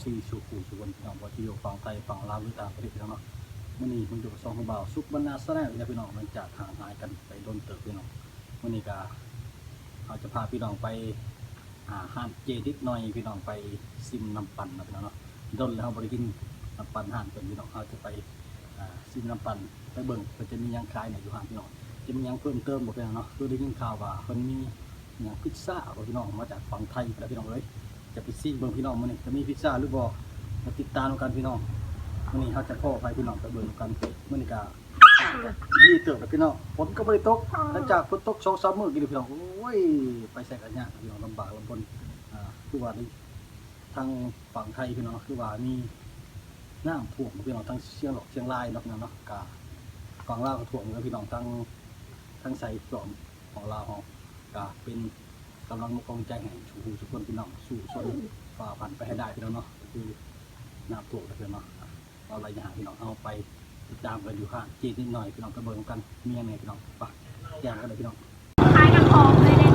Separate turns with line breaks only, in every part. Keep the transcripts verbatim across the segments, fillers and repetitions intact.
ดีสุขุสุวรรณพี่น้องว่าที่อยู่ฝั่งไทยฝั่งลาวหรือต่างประเทศพี่น้องเนาะมื่อนี้มันอยู่กับสองคนบ่าวซุปบรรณาแสดงพี่น้องมันจากห่างหายกันไปโดนเติบพี่น้องมื่อนี้ก็เราจะพาพี่น้องไปหาห้างเจดิกหน่อยพี่น้องไปซิมน้ำปั่นนะพี่น้องเนาะโดนแล้วเราบริกินน้ำปั่นห้างเป็นพี่น้องเราจะไปซิมน้ำปั่นไปเบิ่งมันจะมียังคลายเนี่ยอยู่ห้างพี่น้องจะมียังเพิ่มเติมบอกพี่น้องเนาะคือได้ยินข่าวว่าคนมีอย่างพิซซ่าบอกพี่น้องมาจากฝั่งไทยแล้วพี่น้องเลยจะไปซิมเบิ่งพี่น้องมื่อนี้จะมีพิซซ่าหรือบ่มาติดตามกันพี่น้องมื่อนี้เขาจะพ่อไปพี่น้องไปเบิ่งกันมื่อนี้ก็ดีเติบแล้วพี่น้องฝนก็ไม่ได้ตกหลังจากฝนตกสองสามมื้อกี่เดือนพี่น้องโอ้ยไปใส่กันยากพี่น้องลำบากลำบนอ่าคือว่าทางฝั่งไทยพี่น้องคือว่ามีน้ำท่วมพี่น้องทั้งเชียงหลอกเชียงรายเนาะพี่น้องเนาะกาฝั่งลาวก็ท่วมแล้วพี่น้องทั้งทั้งใส่ส่วนของลาวของกาเป็นกำลังมุกกองใจแห่งชูหูทุกคนพี่น้องสู้ชนฝ่าฟันไปให้ได้พี่น้องเนาะคือน้ำท่วมพี่น้องเนาะเราอะไรอย่างพี่น้องเอาไปติดตามกันอยู่ค่ะจีนิดหน่อยพี่น้องกระเบิงกันมียังไงพี่น้องปะแย่งกันเลยพี่น้อง
คล้ายน้ำหอมเลยเนี่ย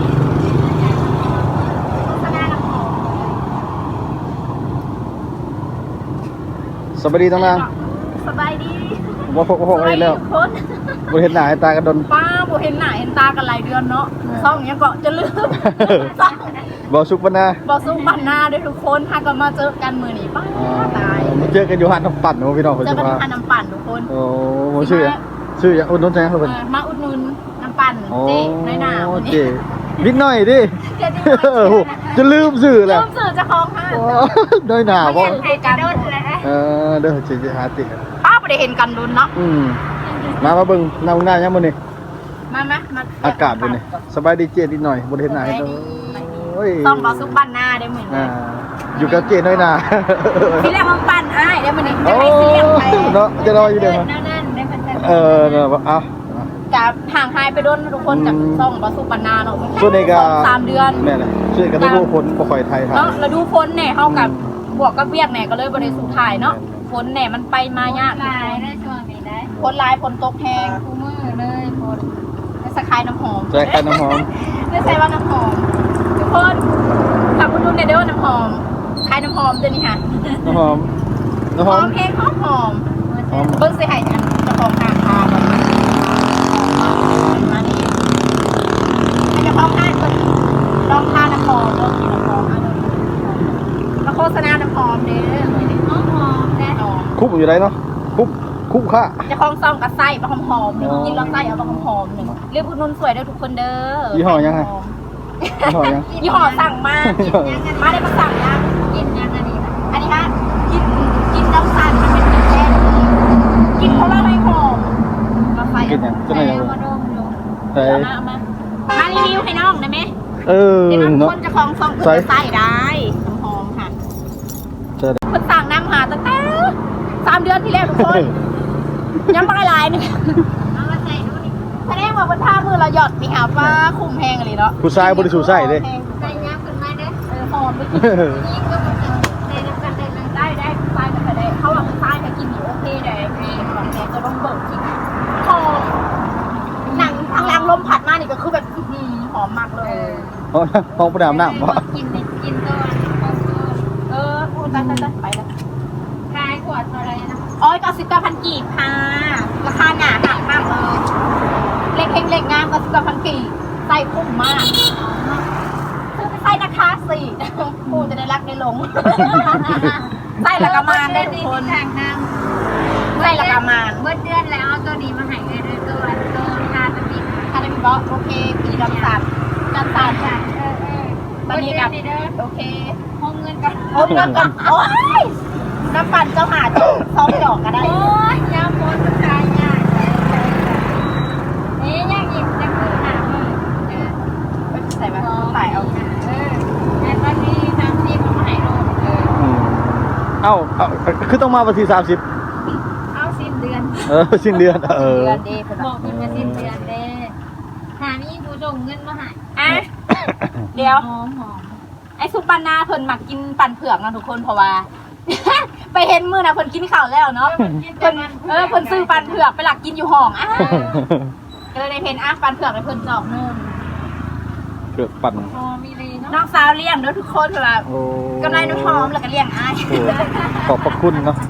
โฆษณาน้ำหอม
สวัสดีทั้งนั้น
สบายดี
ว่าพกว่าพกอะไรแล้วบริเห็นหน้าเห็นตากันดน
ป้าบเห็นหน้าเห็นตากันหลายเดือนเนาะซ่องเนี้ยก็จะลืม
บอสุกบรรณา
บอสุกบรรณาด้วยทุกคนถ้าก็มาเจอกันมือนี้ป้าตาย
มาเจอกันอยู่หันน้ำปั่นโอ้พี่น้อง
เจอกันอยู่หันน้ำปั่นทุกคน
โอ้โหชื่อชื่ออย่างอุดหนุนแจ้งเขาเป็น
มาอุดหนุนน้ำปั่นเจ๊น้อยหนาวันนี้
นิดหน่อยดิจะลืมสื่อแหละ
ลืมสื่อจะคล้องห้า
น้อยหนาเพราะ
เห็นกันโดนเลย
เออเด้อจะหาติ
ป้าไม่ได้เห็นกันโดนเนาะ
มามาเบิ่งน้ำหน้ายังมื้อนี้
มามามา
อากาศเป็นนี่สบายดีเจนิดหน่อยบ่ได้เห็นหน้าให้ตัวโอ้ย
ต้องบอสุกบรรณาได้เหมือนกัน
อยู่กับเจน้อยหนา
พี่เรียกมันปั่นอ้ายได้มื้อนี้จะไปเสียงไป
เนาะจะรออยู่เด้อ
นั่นๆได้เพิ่น
เออเนาะเอา
กับห่างหายไปโดนทุกคนจากซ่องบอสุกบรรณาเนาะ
ช่วงนี้ก็
สามเดือน
แม่น่ะช่วยกันดูฝนบ่ค่อยไทยครับ
เนาะแล้วดูฝนเนี่ยเฮากับบวกกับเวียกเนี่ยก็เลยบ่ได้สู่ถ่ายเนาะฝนเนี่ยมันไปมายากหลายได้ช่วงนี้ได้ฝนลายฝนตกแห้งคู่มือเลยฝนไม่สะคายน้ำหอม
ใส่คายน้ำหอม
ไม่ใส่ว่าน้ำหอมทุกคนขับคุณดูในเด้อน้ำหอมคายน้ำหอมเดี๋ยวนี้ค่ะ
น้ำหอม
น้ำหอมแห้งหอมหอมเบิ้งใส่ไห่อันจะของทางทาแบบมานี่ให้จะพร้อมทานก่อนลองทานน้ำหอมลองกินน้ำหอมมาโฆษณาน้ำหอมเด้อหอมหอมแน่นอน
คุบอยู่ไหนเนาะคุบคุบค่ะ
จะคล้องซองกับไส้มาหอมหอมหนึ่งกินแล้วไส้เอามาหอมหอมหนึ่งเรียกคุณนุ่นสวยได้ทุกคนเด้อ
ยี่ห้อยังไงยี่ห้อยัง
ยี่ห้อสั่งมามาได้มาสั่งนะกินยังอันนี้อันนี้ฮะกินกินน้ำสั่นมันเป็นแค่กินเพราะอะไรหอมมาไฟ
กินยังจะไหนยัง
มาดมดูใส่มามามารีวิวให้น้องได้ไหม
เออ
เนาะคนจะคล้องซองเพื่อใส่ได้น้ำหอมค่ะคนสั่งน้ำหาตั้งแต่สามเดือนที่แล้วทุกคนยังไม่ลายนึงเอามาใส่ดูนี่แสดงว่าบนท่ามือเราหยอดมีหาฟ้าคุมแหงอะไรเนาะ
ผู้ชายบริสุทธิ์ใส่เลย
ใส่ยับขึ้นมาเด้อเออหอมไปกินนี่ก็มันได้น้ำกันได้ได้ได้ใส่กันได้เขาบอกใส่ถ้ากินนี่โอเคได้พี่ของแกจะต้องเบิกกินหอมหนังทางล่างลมผัดมานี่ก็คือแบบหอมมากเลย
หอมหอมประดามน้ำวะ
กินกินก่อนเออพูดไปไปไปแล้วขายขวดเท่าไรนะอ๋อเก้าสิบเก้าพันกีบค่ะราคาหนาหนักมากเลยเล็กเฮงเล็กงามเก้าสิบเก้าพันกีบใส่คุ้มมากคือไปใส่นะคะสิผู้จะได้รักได้หลงใส่ละกามานได้ทุกคนใส่ละกามาน
เมื่อเดือนแล้วเอาตัวนี้มาให้เลยด้วยตัวตัวคาตามิ
คาตามิบอกโอเคปีดำสันดำสันค่ะ
เออเออ
ตอนนี้กับโอเค
ห้องเงินกัน
ห้องเงินกันโอ้ยน้ำปั่นเจ้าหาดซ้อมดอกก็ได้
โอ้ยยาโพสต์ตายยากนี่ยากยิ่งจะคือหามือเออ
ใส่มาใส่เอา
เออแต่ตอนนี้สามสิบมาให้โลเออ
เอ้าเอาคือต้องมาวันที่สามสิบ
เอาสิ้นเดือน
เออสิ้นเดือนเออ
บอกกินมาสิ้นเดือนเด้หามีผู้ส่งเงินมาให้
อ่ะเดี๋ยว
หอมหอม
ไอ้ซุปบานาเพิ่นมักกินปั่นเผือกนะทุกคนเพราะว่าไปเห็นมือนะเพิ่นกินข้าวแล้วเนาะเพิ่นเออเพิ่นซื้อปั่นเผือกไปหลักกินอยู่ห้องอ่ะก็เลยได้เห็นอ่ะปั่นเผือกไปเพิ่นจอกนู่น
เผือกปั่น
พอมีเลย
น้องสาวเลี้ยงเด้อทุกคนแบบ
โอ้
กำไรน้ำหอมแล้วก็เลี้ยงอ้าย
โอ้ขอบพระคุณเนาะ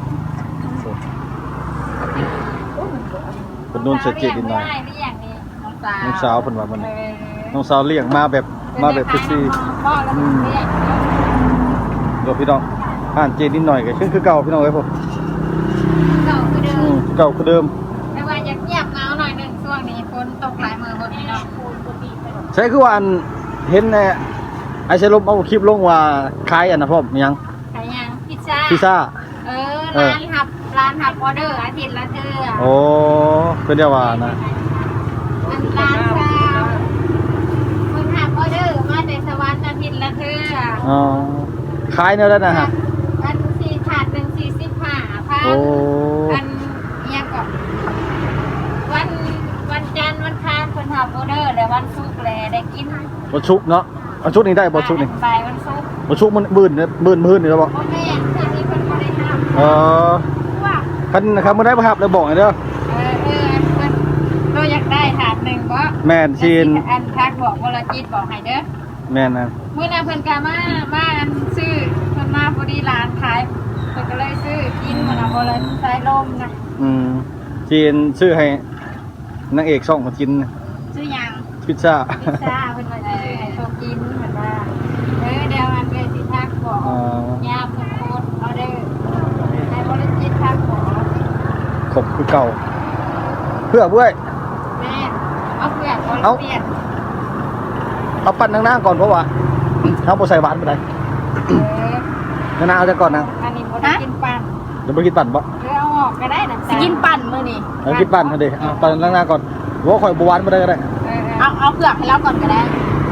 เป็นนุ่นเสียเจดินหน่อย
ไม่ได้ไม่อย่างนี้
น้องสาว
น้องสาวเพิ่นว่ามัน
เออ
น้องสาวเลี้ยงมาแบบมาแบบพิซี่
พ่อแล้วผมเรียก
เดี๋ยวพี่น้องอ่านเจดินหน่อยก็คือคือเก่าพี่น้องเอ้ยผม
เก่าคือเดิ
อื
ม
มเก่าคือเดิม
แต่ว่าอยากเงียบเงาหน่อยหนึ่งช่วงนี้ฝนตกหลายมือบนนี้เนาะ
ใช่คือว่าอันเห็นในไอเชลบเอาคลิปลงว่าขายอันนะพ่อมยัง
ขายยังพิซซ่า
พิซซ่า
เออร้านหับร้านหับออเดอร์อาทิตย์ละเทื่อ
โอ้เป็นเดียวว่านะ
อันร้านชาวคนหับออเดอร์มาแต่สวรรค์อาทิตย์ละเทื่อ
อ๋อขายเนี่ยแล้วนะฮะ
อันสี่ถาดหนึ่งสี่สิบห้าพัน
โอ้
อันเนี้ยก่อนวันวันจันทร์วันคานคนหับออเดอร์แล้ววันศุกร์แลได้กิน
บอชุกเนาะบอชุกนี่ได้บอชุกนี่
บ่ายวันศุกร์
บอชุกมันมื่นเนี่ยมื่นมื่นนี่แล้วบอก
พ่อแม่ท่านนี้เป็นคนได้ห้าม
เออ
ว่า
คันนะครับเมื่อได้ประหับเลยบอกให้เด้อ
เออเอออันเราอยากได้ถาดหนึ่งบ่
แม่นชีน
อันทักบอกวรจิตบอกให้เด้อ
แม่นนะ
เมื่อนาเพิ่นกามามาอันซื้อเพิ่นมาพอดีร้านขายเพิ่นก็เลยซื้อกินมันเอาบ่เลยสายลมนะ
อืมชีนซื้อให้นางเอกช่องมากิน
ซื้อหยัง
พิซซ่า
พิซซ่าเพิ่นว่าซื้อให้โชกินเหมือนว่าเออเดี๋ยวอันเลยสิทักบอก
อ๋อย
ามเพิ่นโคตรเอาเด้อให้วรจิตทักบอก
ขบคือเก่า เพื่อบ้วย
แม่เอาเปลือกบ่
เอา
เปลี่ยน
เอาปั้นนางๆก่อนเพราะว่าเอาโบใส่หวานไปไหน
เออน
างๆเอาจะก่อนนะ
อันนี้บ่ได้กินปั่น
เดี๋ยวไปกินปั่นบ่
หรือเอาออกก็ได้นะ
สิกินปั่นมื้อนี่
เอากินปั่นเถอะดิเอาปั่นนางๆก่อนว่าข่อยบหวานมาได้ก็ได้
เออ
เอาเอาเผือกให้เราก่อนก็ได้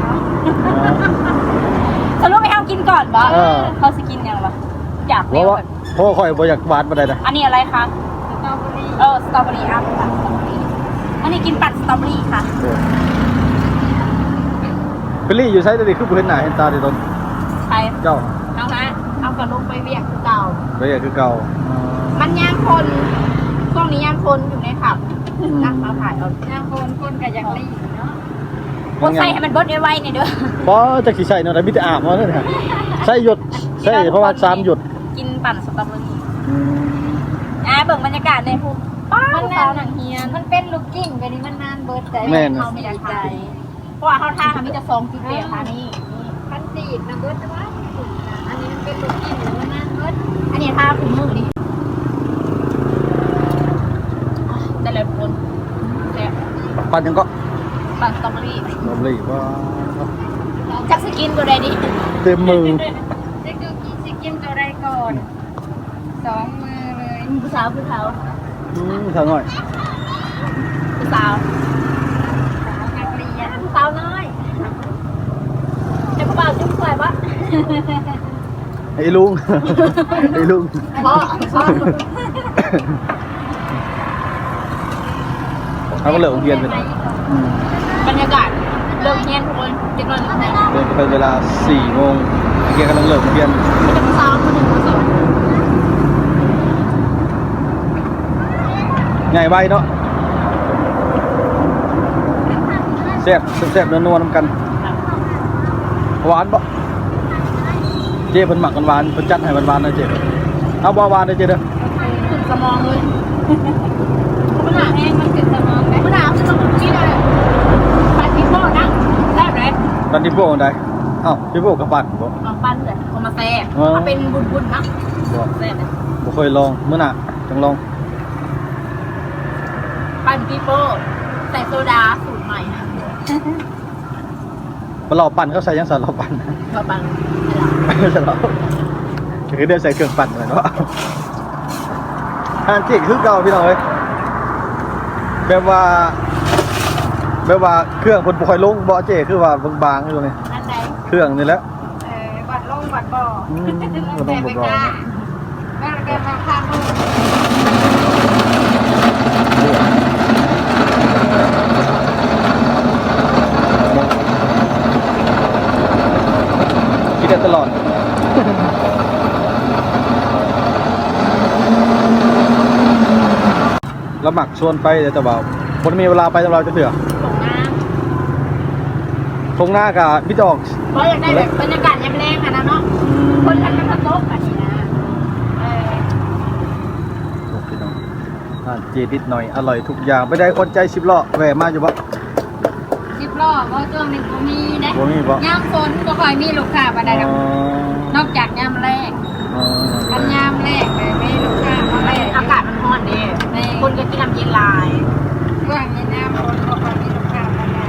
สรุปให้เฮากินก่อนบ่
เออ
เขาสิกินหยังวะอยาก
เพ
เร็
ราะ
ว
ว่าเพราะว่าข่อยบ่อยากหวานมาได้นะ
อันนี้อะไรคะ
สตรอเบอรี่
เออสตรอเบอรี่อ่ะปั่นสตรอเบอรี่อันนี้กินปั่นสตรอเบอรี่ค่ะ
เฟลลี่อยู่ไซต์ดิคือบ่เห็นหน้าเห็นตาดิตน
ใช่
เจ้า
เอาฮะเอากระลุกไปเวียกคือเก่า
ไปอยากคือเก่า
มันย่างคนช่วงนี้ย่างคนอยู่ในผับนักมาถ่ายเอา
นางคนคนกับอยากรีเนาะ
คนใส่ให้มันเบิดไวๆนี่เด้อ
เพราะจักสิใส่เนาะแต่มีแต่อาบมาเด้อเนี่ยใส่หยดใส่เพราะว่าสามหยด
กินปั่นสตรอเบอรี่อ่าเบิ่งบรรยากาศในภูมิป้า
มัน
สา
นา
วน หนังเฮียน
มันเป็นลูกกิ้งไปนี่มันนานเบิดใจ
แม่น
เขาไม่ได้ใจเพราะว่าเขาท่าเขามีแต่ซองจุดเดียวค่ะนี่
พันสีดนะเบิดแต่ว่าอันนี้มันเป็นลูกกิ้งแล้วมันนานเบิด
อันนี้ท่าคุมมือนี่ได้เลยทุกคนแซ่บ
ปั่นยังก็
ปั่นสตรอเบอรี่
ลมเลยว่า
จักสกินตัวใดดิ
เต็มมือ
จะคือกินสิกินตัวใดก่อนสองมือเลย
ผู้สาวผู้สาว
อืมทางหน่อย
ผู้สาว
นักเรียน
ผู้สาวน้อยจะผู้บ่าวจุ๊บสวยปะ
ไอ้ลุง ไอ้ลุง
พ่อพ่อ
เขาก็เลิกโรงเรียนไปนะอืม
บรรยากาศเลิกเรียนทุกคนจะนอนอยู่ไหน
เดินไปเวลาสี่โมงเกียร์กำลังเลิกโรงเรียน
มันจะผู้สาวคนหนึ่งผู้สาว
ง่ายไวเนาะแซ่บแซ่บๆนัวๆน้ำกัน หวานบ่เจ๊เพิ่นหมักกันหวานเพิ่นจัดให้หวานๆนะเจ๊เอาบ่หวานเลยเจ๊เด้อ
ขึ้นสมองเลย
มันหนาแห้งมันขึ้นสมองไหม
มะนาวขึ้นสมองนี่เลยปั่นพิโป้นะแซ่บเลย
ตอนที่พวกใดเอ้าที่พวกกระปั่นบ่
มาปั้นเลยเอามาแซ่บ
อ๋อ
เอาเป็นบุญๆนะ
บ่
แซ่บเลย
บ่เคยลองมื้อหน้าจังลอง
ปั่นพิโป้ใส่โซดาสูตรใหม่นะ
บ่เราปั่นเขาใส่ยังสั่นเราปั่น
มาปั่น
ใส่เราคือเดี๋ยวใส่เครื่องปั่นอะไรเนาะทานเจ๊คือเก่าพี่น้องเอ้ยแบบว่าแบบว่าเครื่องเพิ่นบ่ค่อยลงบ่เจ๊คือว่าบางๆอยู่นี่
อันไหน
เครื่องนี่แหละ
เออบัดลงบัดบ่อ
อืม
ลงแต่ไม่กล้าแม่แกมาข้างลูก
คิดได้ตลอด แล้วหมักชวนไปเดี๋ยวจะบอกคนมีเวลาไปตลอดจะเถื่อ
ส่งน้
ทงหน้ากับพี่จะออก
เพราะอยากได้แบบบรรยากาศยามแรงค่ะนะเนาะคนกันกันโต๊ะแบบนี้นะเออ
โอเคเนาะอ่าเจนิดหน่อยอร่อยทุกอย่างไม่ได้คนใจสิบล้อแหวมาอยู่บ่
สิบล้อก็ช่วงนี้ก็มีได้
บ่มีบ่
ยามฝนก็ค่อยมีลูกค้ามาได้ดอกนอกจากยามแรก
อ๋อ
กันยามแรกเลยไม่ลูกค้ามาแรก
อากาศมันร้อนดีคนก็กินน้ำเย็นลาย
ว่างในน้ำฝนก็ค่อยมีลูกค้ามาได้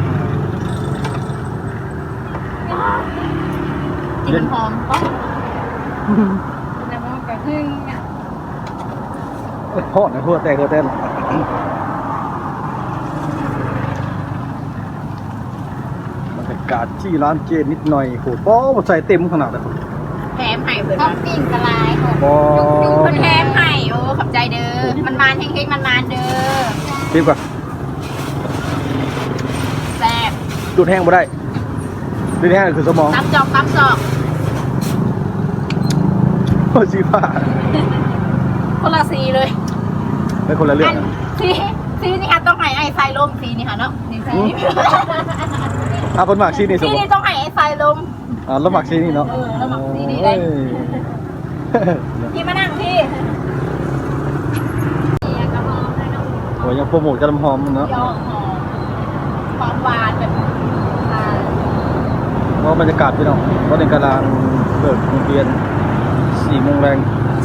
กินมันหอมก็
แล้วมันก็ขึ้น
เอ้ยโทษนะทั่วแต่ทั่วแต่บรรยากาศที่ร้านเจนิดหน่อยโหป้อใส่เต็มขนาดเลย
แถมไห่เปิด
ท็อปปิ้งกระลายของ
บ่
คนแถมไห่โอ้ขอบใจเด้อมันมานเฮงๆมันมานเด้อ
คิดก่อน
แซ่บ
ดูดแห้งบ่ได้ดูดแห้งคือสมอง
ตำจอกตำจอก
โอ้ชีฟ้า
คนละสีเลย
เป็นคนละเรื่องนะ
สีสีนี่ค่ะต้องให้ไอ้ทรายลมสีนี่ค่ะเนาะนี่สี
อ่ะคนหมากชีนี่ส
สี
มอง
นี่ต้องให้ไอ้ทรายลม
อ่าแล้วหมักชีนี่เนาะ
เออแล้วหมักชีนี่ได้
โอ้ย
พี่มานั่งพี่
กระหองให้น้อง
โอ้ยยังโปรโมทกระลำหอมเนาะ
ยอมหอมหอมหวานแบบอ่า
เพราะบรรยากาศพี่น้องตอนนี้กำลังเลิกโรงเรียนสี่โมงแรง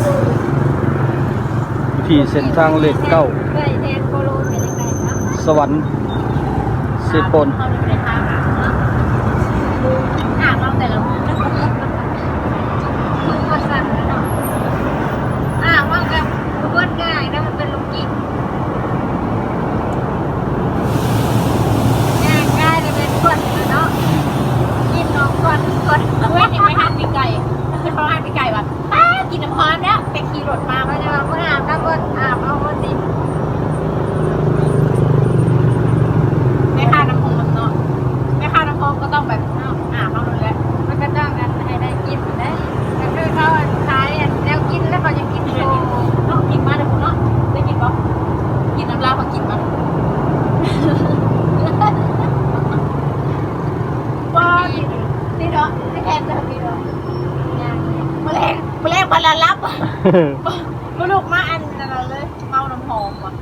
อยู่ที่เส้นทางเลขเก้า
เคยแทนโคโลเป็นยังไงครับ
สวรรค์เซปน
เขาอยู่ในทางอ่ะหาเราแต่ละมุม
มึงก็สั่นแล้วเนาะอ่าว่ากับทุกคนง่ายนะมันเป็นลูกกินง่ายง่ายเลยเป็นคนเนาะกินน้องก่อนก่อน
เว้ยนี่ไม่หันปีไก่ไม่เขาหันปีไก่แบบป้ากินน้ำพร้อมแล้วไปขี่รถมา
มาจะมาเมื่ออาบน้ำก่อนอาบเอาคนดิ
ไม่ค่าน้ำพองมันเนาะไม่ค่าน้ำพองก็ต้องแบบอ้าวอ่าเขาเลยแหละ
มันก็จ้างกันให้ได้กินได้ก็คือเขาขายแล้วกินแล้วเขาจะกินโชว์
เนาะกินมาเดี๋ยวคุณเนาะได้กินปะกินน้ำลาเขากินมาว้านี่เนาะไม่แทนจะดีเนาะ
อย่างนี้
แมลงแมลงพันละลับมาลูกมาอันนั่นเลยเมาน้ำหอมว่ะ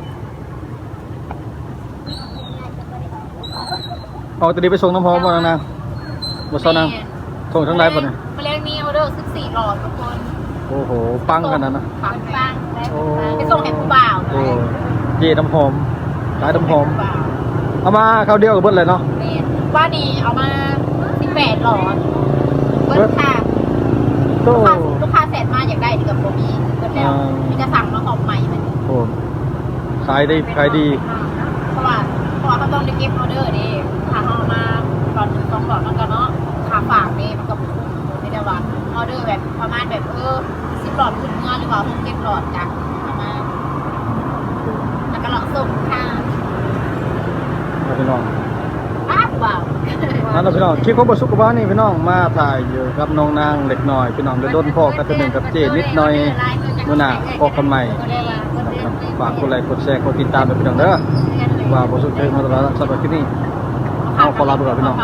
เอาตัวนี้ไปส่งน้ำหอมบ่นางบ่ซ้อนางส่งทั้งไลฟ์บ่เนี่ย
แมลงมีออเดอร์สิบสี่หลอดทุกคน
โอ้โหปังขนาดนั้นนะ
ปังปัง
โอ้
ไปส่งให้ผู้บ่าว
โอ้เจน้ำหอมขายน้ำหอม
ผู้บ่าว
เอามาคราวเดียวกับเบิ้ลเลยเนาะ
เมนว่านี่เอามาสิบแปดหลอดเบิ้ลค่ะ
โอ้
ลูกค้าลูกค้าแสนมาอยากได้ดีกับโปรมีเบิ้ลแล้วมีจะสั่งมาหอมใหม่มัน
โหขายได้ขายดี
เพราะว่าเพราะว่าเขาต้องได้เก็บออเดอร์ดิถ้าเขาเอามาหลอดหนึ่งสองหลอดมันก็เนาะค่าฝากนี่มันก็คุ้มไม่ได้ว่าออเดอร์แบบประมาณแบบเออสิบหลอดขึ้นเงินหรือเปล่าเก็บหลอดจ้ะเอามาแล้วก็หลอดส่งค่ะ
เอาพี่น้อง
อ้าวว้าว
นั่นแหละพี่น้องคลิปของบทสุขภาพนี่พี่น้องมาถ่ายอยู่กับน้องนางเล็กน้อยพี่น้องเดินด้นพ่อกันตัวหนึ่งกับเจนิดหน่อยมื่อหน้าพบกันใหม่นะครับฝากกดไลค์กดแชร์กดติดตามด้วยพี่น้องเด้อว่าบทสุขภาพมาตลอดสำหรับที่นี่เอาขอลาไปก่อนพี่น้อง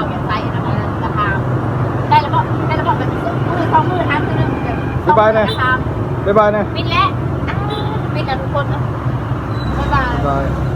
ได้แล้วก็ได้แล้วก็แบบมือสองมือทำคือเรื่อง
บ๊ายบายนะบ๊ายบายนะ
ปิดแล้วปิดแล้วทุกคนนะบ๊ายบาย
บ๊ายบาย